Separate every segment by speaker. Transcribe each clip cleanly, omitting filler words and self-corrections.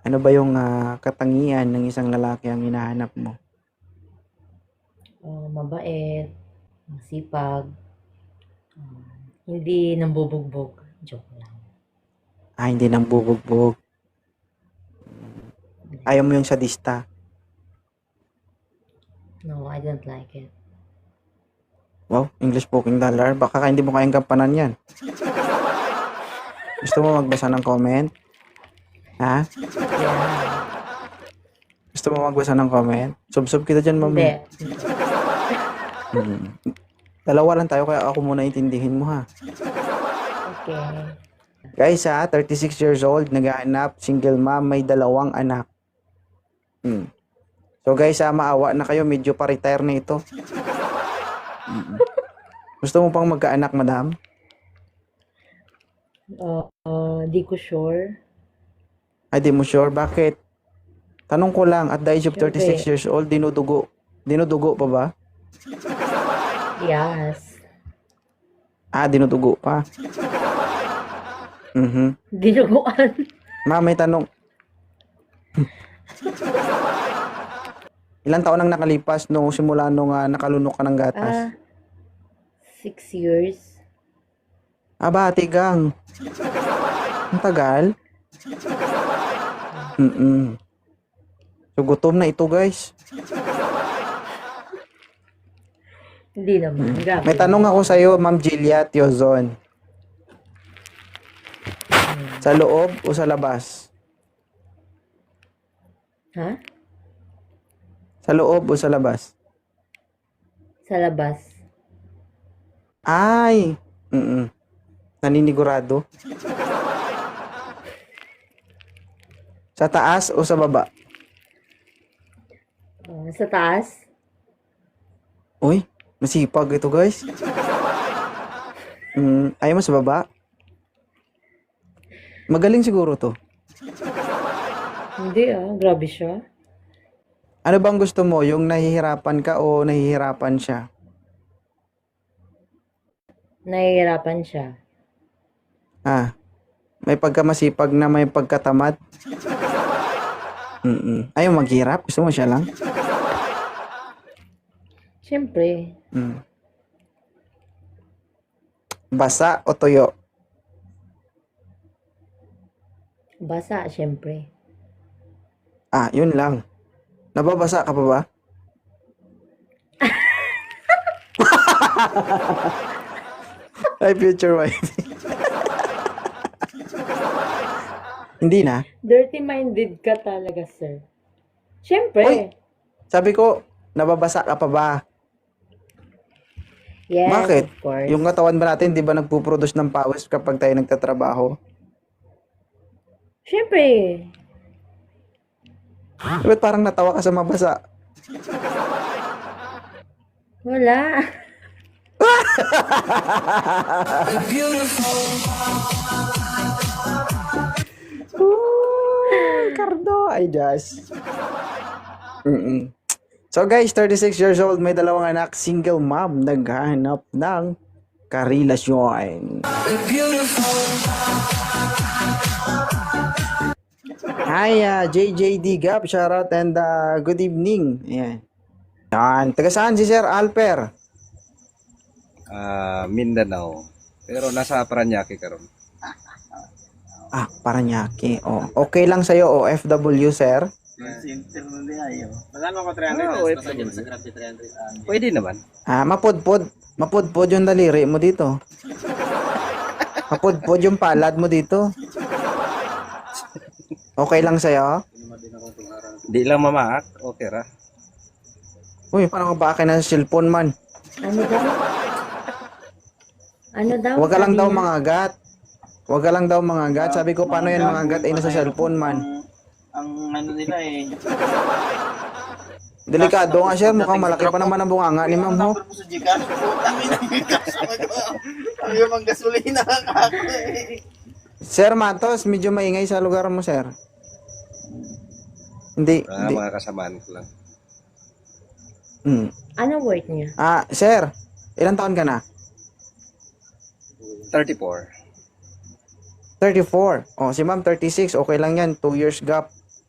Speaker 1: Ano ba yung katangian ng isang lalaki ang hinahanap mo?
Speaker 2: Mabait, masipag, hindi nambubugbog. Joke lang.
Speaker 1: Hindi nang bubugbog. Ayaw mo yung sadista.
Speaker 2: No, I don't like it.
Speaker 1: Wow, English spoken dollar. Baka hindi mo kayang gampanan yan. Gusto mo magbasa ng comment? Ha?
Speaker 2: Yeah.
Speaker 1: Gusto mo magbasa ng comment? Sub kita dyan,
Speaker 2: Hindi.
Speaker 1: mamaya. Dalawa lang tayo, kaya ako muna intindihin mo, ha?
Speaker 2: Okay.
Speaker 1: Guys, 36 years old, naghahanap, single mom, may 2 anak. So guys, maawa na kayo, medyo pa-retire na ito. Gusto mo pang magkaanak, madam?
Speaker 2: Di ko sure.
Speaker 1: Ay, di mo sure. Bakit? Tanong ko lang, at the age of 36
Speaker 2: Siyempre.
Speaker 1: years old, dinudugo. Dinudugo pa ba?
Speaker 2: Yes.
Speaker 1: Dinudugo pa.
Speaker 2: Dinuguan.
Speaker 1: Ma, may tanong. Ilang taon nang nakalipas nung simula nung nakalunok ka ng gatas?
Speaker 2: 6 years.
Speaker 1: Tigang. Ang tagal. So, gutom na ito, guys.
Speaker 2: Hindi naman. Grabe.
Speaker 1: May tanong ako sa'yo, Ma'am Jilia Tiozon. Sa loob o sa labas?
Speaker 2: Ha?
Speaker 1: Sa loob o sa labas?
Speaker 2: Sa labas.
Speaker 1: Ay! Naninigurado. Sa taas o sa baba?
Speaker 2: Sa taas.
Speaker 1: Uy, masipag ito, guys. Ayaw mo sa baba? Magaling siguro to.
Speaker 2: Hindi grabe siya.
Speaker 1: Ano bang gusto mo? Yung nahihirapan ka o nahihirapan siya?
Speaker 2: Nahihirapan siya.
Speaker 1: May pagkamasipag na may pagkatamad? Ayaw maghirap? Gusto mo siya lang?
Speaker 2: Siyempre.
Speaker 1: Basa o tuyo?
Speaker 2: Basa, siyempre.
Speaker 1: Yun lang. Nababasa ka pa ba? Ay, future wife. Hindi na.
Speaker 2: Dirty-minded ka talaga, sir. Siyempre.
Speaker 1: Uy! Sabi ko, nababasa ka pa ba?
Speaker 2: Yes,
Speaker 1: Bakit?
Speaker 2: of course.
Speaker 1: Yung katawan ba natin, di ba nagpuproduce ng pawis kapag tayo nagtatrabaho?
Speaker 2: Siyempre.
Speaker 1: Ba't parang natawa ka sa mabasa?
Speaker 2: Wala.
Speaker 1: Cardo, I just. So guys, 36 years old, may 2 anak, single mom, naghahanap ng karelasyon. Hi, JJD Gap, shoutout and good evening. Ayan. Yan. Taga saan si Sir Alper?
Speaker 3: Mindanao. Pero nasa Paranaque karon.
Speaker 1: Paranaque. Okay lang sa'yo, OFW, sir?
Speaker 3: Magkano ko 300? Pwede naman.
Speaker 1: Mapudpod yung daliri mo dito. Mapudpod yung palad mo dito. Okay lang sa'yo?
Speaker 3: Di lang mamaak. Okay ra.
Speaker 1: Uy, parang ka ba akin na sa cellphone man?
Speaker 2: Ano daw? Ano daw?
Speaker 1: Huwag ka lang
Speaker 2: Sabi
Speaker 1: daw
Speaker 2: niya?
Speaker 1: mga gat. Huwag ka lang daw mga gat. Sabi ko, paano yan mga gat ay nasa cellphone man?
Speaker 4: Ang ano nila
Speaker 1: Delikado nga, sir. Mukhang malaki pa naman ang bunganga ni ma'am, ho.
Speaker 4: number mo sa Gcash, putang ina yung kasama ko. Ang yung mga gasolina ako
Speaker 1: Sir Matos, medyo maingay sa lugar mo, sir. Hindi.
Speaker 3: Mga kasamaan ko lang.
Speaker 2: Anong work niya?
Speaker 1: Sir, ilang taon ka na?
Speaker 3: 34.
Speaker 1: 34. Si ma'am 36, okay lang yan. 2 years gap.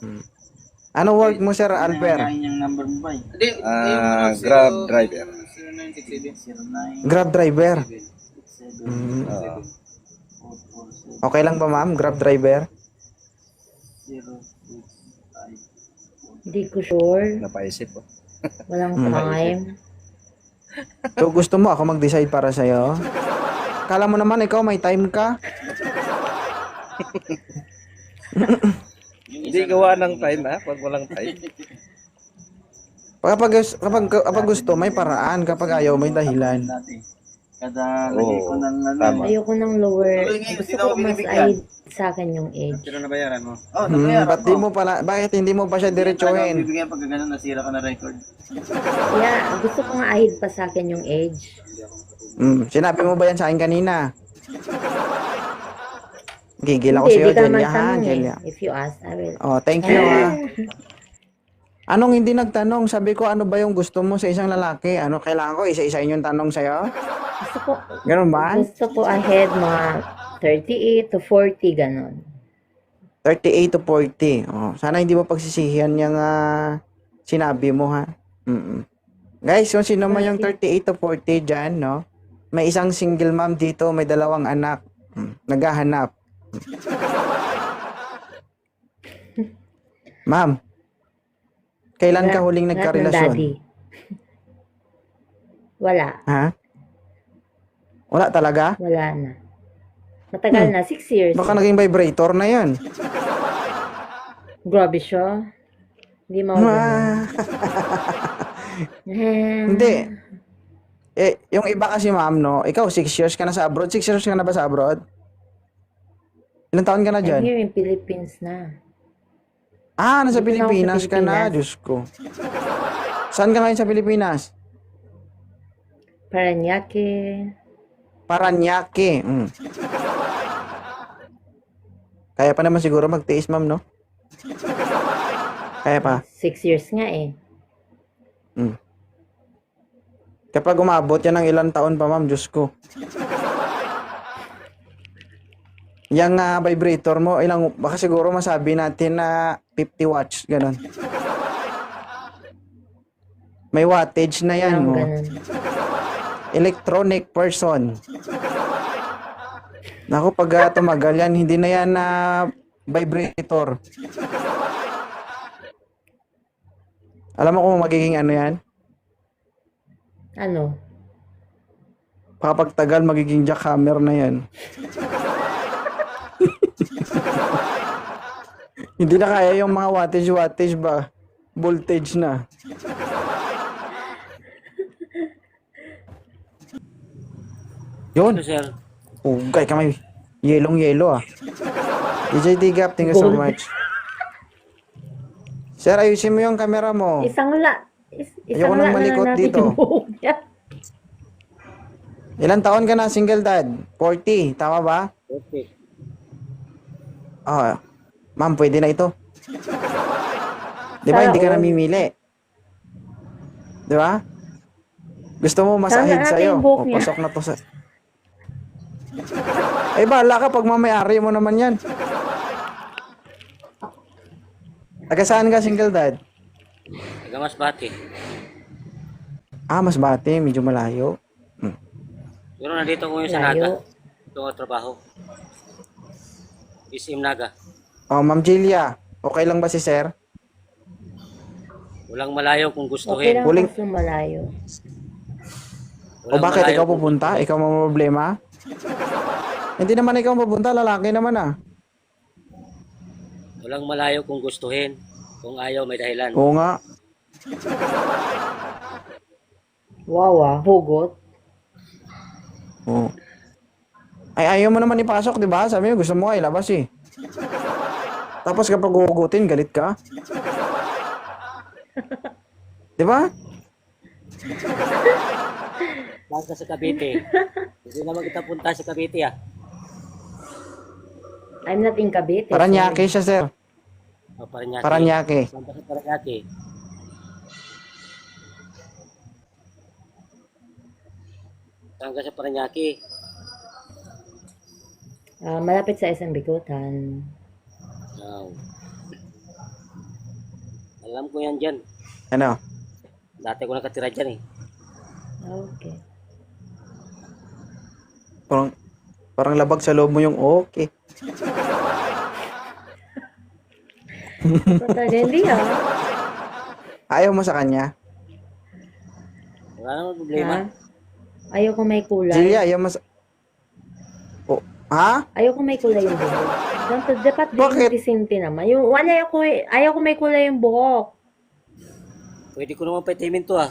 Speaker 1: Ano work mo, Sir Alper?
Speaker 4: yung number mo ba eh?
Speaker 3: Hindi,
Speaker 5: Grab driver.
Speaker 4: 0967
Speaker 1: Grab driver.
Speaker 4: 67
Speaker 1: Mm.
Speaker 4: 447
Speaker 1: Okay lang ba, ma'am? Grab driver?
Speaker 4: 065.
Speaker 2: Hindi ko sure.
Speaker 5: Napaisip po.
Speaker 2: Walang
Speaker 1: Hmm.
Speaker 2: time.
Speaker 1: So, gusto mo ako mag-decide para sa'yo? Kala mo naman, ikaw may time ka?
Speaker 5: Hindi gawa ng time ha, pag walang time.
Speaker 1: Kapag gusto, may paraan. Kapag ayaw, may dahilan.
Speaker 4: Kada lagay ko ng ano.
Speaker 5: Tama.
Speaker 2: Ayoko ng lower.
Speaker 4: Tuloy ngayon,
Speaker 2: Gusto
Speaker 4: hindi na
Speaker 2: ko
Speaker 4: ako
Speaker 2: mas
Speaker 4: binibigyan.
Speaker 2: aid sa akin yung age.
Speaker 3: Pero nabayaran mo.
Speaker 4: Oh, nabayaran
Speaker 1: Ba't di mo pala, bakit hindi mo pa siya diretsuhin?
Speaker 4: Bibigyan pag ganun, nasira ka na record.
Speaker 2: Kaya gusto ko nga aid pa sa akin yung age.
Speaker 1: Sinabi mo ba yan sa akin kanina? Gigil ako
Speaker 2: Hindi,
Speaker 1: sa'yo,
Speaker 2: di ka naman
Speaker 1: Jelia, ha,
Speaker 2: tanong eh.
Speaker 1: Jelia.
Speaker 2: If you ask, I will.
Speaker 1: Oh, thank you, ha. Anong hindi nagtanong? Sabi ko, ano ba yung gusto mo sa isang lalaki? Ano, kailangan ko isa-isahin yung tanong sa'yo?
Speaker 2: Gusto ko,
Speaker 1: Ganun ba?
Speaker 2: gusto ko ahead mga 38 to 40, ganon.
Speaker 1: 38 to 40. Oh, sana hindi mo pagsisihan yung sinabi mo, ha? Guys, kung sino man yung 38 to 40 dyan, no? May isang single mom dito, may 2 anak. Naghahanap. Ma'am, kailan ka huling
Speaker 2: Lahat ng
Speaker 1: nagkarelasyon?
Speaker 2: daddy. Wala.
Speaker 1: Ha? Wala talaga?
Speaker 2: Wala na. Matagal na. 6 years.
Speaker 1: Baka naging vibrator na yan.
Speaker 2: Grabe siya. Hindi mo
Speaker 1: Ah, hindi. Yung iba kasi ma'am, no? Ikaw, 6 years ka na sa abroad. 6 years ka na ba sa abroad? Ilang taon ka na
Speaker 2: I'm
Speaker 1: dyan?
Speaker 2: here in Philippines na.
Speaker 1: Nasa
Speaker 2: Dito na ako sa
Speaker 1: Pilipinas ka na.
Speaker 2: Pilipinas.
Speaker 1: Diyos ko. Saan ka ngayon sa Pilipinas?
Speaker 2: Paranaque.
Speaker 1: Paranaque. Kaya pa naman siguro magtiis, ma'am, no? Kaya pa.
Speaker 2: 6 years nga eh.
Speaker 1: Kapag umabot yan ng ilang taon pa, ma'am, Diyos ko. Yung vibrator mo, baka siguro masabi natin na 50 watts, ganun. May wattage na yan,
Speaker 2: Parang
Speaker 1: mo.
Speaker 2: ganun.
Speaker 1: Electronic person. Naku, pag tumagal yan, hindi na yan na vibrator. Alam mo kung magiging ano yan?
Speaker 2: Ano?
Speaker 1: Kapag tagal, magiging jackhammer na yan. Hindi na kaya yung mga wattage ba? Voltage na. Yun.
Speaker 3: Ano, sir?
Speaker 1: Ugay ka may yellow DJ Digap, thank you so
Speaker 2: Gold.
Speaker 1: much. Sir, ayusin mo yung camera mo.
Speaker 2: Isang
Speaker 1: Ayoko nang
Speaker 2: la na
Speaker 1: malikot
Speaker 2: natin
Speaker 1: dito.
Speaker 2: yung buhok niya.
Speaker 1: Ilan taon ka na single dad? 40, tama ba?
Speaker 3: Okay.
Speaker 1: Ma'am, pwede na ito. Di ba, hindi ka
Speaker 2: Sana all.
Speaker 1: namimili? Di ba? Gusto mo
Speaker 2: Sana
Speaker 1: masahid
Speaker 2: natin
Speaker 1: sa'yo.
Speaker 2: yung buhok
Speaker 1: O,
Speaker 2: niya.
Speaker 1: pasok na to sa... Bahala ka pag mamayari mo naman yan. Taga saan ka, single dad?
Speaker 3: Taga-Masbate.
Speaker 1: Masbate, medyo malayo.
Speaker 3: Pero nandito ko yung sa Naga.
Speaker 2: Layo.
Speaker 3: Ito ang trabaho. SM Naga.
Speaker 1: Ma'am Jilia, okay lang ba si sir?
Speaker 3: Walang malayo kung
Speaker 2: Okay
Speaker 3: gustuhin.
Speaker 2: lang
Speaker 1: Huling-
Speaker 2: kaso malayo.
Speaker 1: O bakit
Speaker 3: malayo
Speaker 1: ikaw
Speaker 3: kung
Speaker 1: pupunta? Ikaw mo problema? Hindi naman ikaw pupunta, lalaki naman
Speaker 3: Walang malayo kung gustuhin. Kung ayaw, may dahilan.
Speaker 1: Oo nga.
Speaker 2: Wow, hugot.
Speaker 1: Oo. Ay, ayaw mo naman ipasok, di ba? Sabi mo, gusto mo ay labas eh. Tapos kapag hugutin, galit ka. Di ba?
Speaker 3: Saan ka sa Cavite? Hindi naman kita punta sa Cavite ah.
Speaker 2: I'm not in Cavite.
Speaker 1: Paranaque siya, sir.
Speaker 3: Paranaque.
Speaker 1: Paranaque.
Speaker 3: Saan ka sa Paranaque? Saan ka sa Paranaque?
Speaker 2: Malapit sa SM Bikutan.
Speaker 3: Wow. Alam ko yan dyan.
Speaker 1: Ano?
Speaker 3: Dati ko nakatira dyan eh.
Speaker 2: Okay.
Speaker 1: Parang labag sa loob mo yung okay.
Speaker 2: So, talaga, hindi ah.
Speaker 1: Ayaw mo sa kanya?
Speaker 3: Wala namang problema.
Speaker 2: Ha? Ayoko may kulay.
Speaker 1: Julia, ayaw mo sa... Oh, ha?
Speaker 2: Ayoko may kulay yung buhok. Dapat
Speaker 1: Bakit?
Speaker 2: disente naman. Yung, ayoko may kulay yung buhok.
Speaker 3: Pwede ko naman paitimin to ah.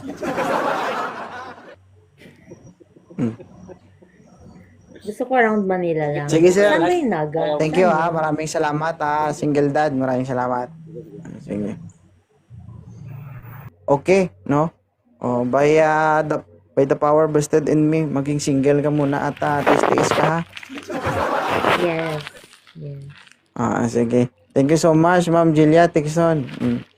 Speaker 2: Gusto ko around Manila lang.
Speaker 1: Sige, sir.
Speaker 2: Saan ba yung Naga?
Speaker 1: Thank you ha. Maraming salamat ha. Single dad. Maraming salamat. Sige. Okay, no? Oh, by the power vested in me, maging single ka muna at tiis ka ha.
Speaker 2: Yes. Yes.
Speaker 1: Sige. Thank you so much, Ma'am Julia Tixon.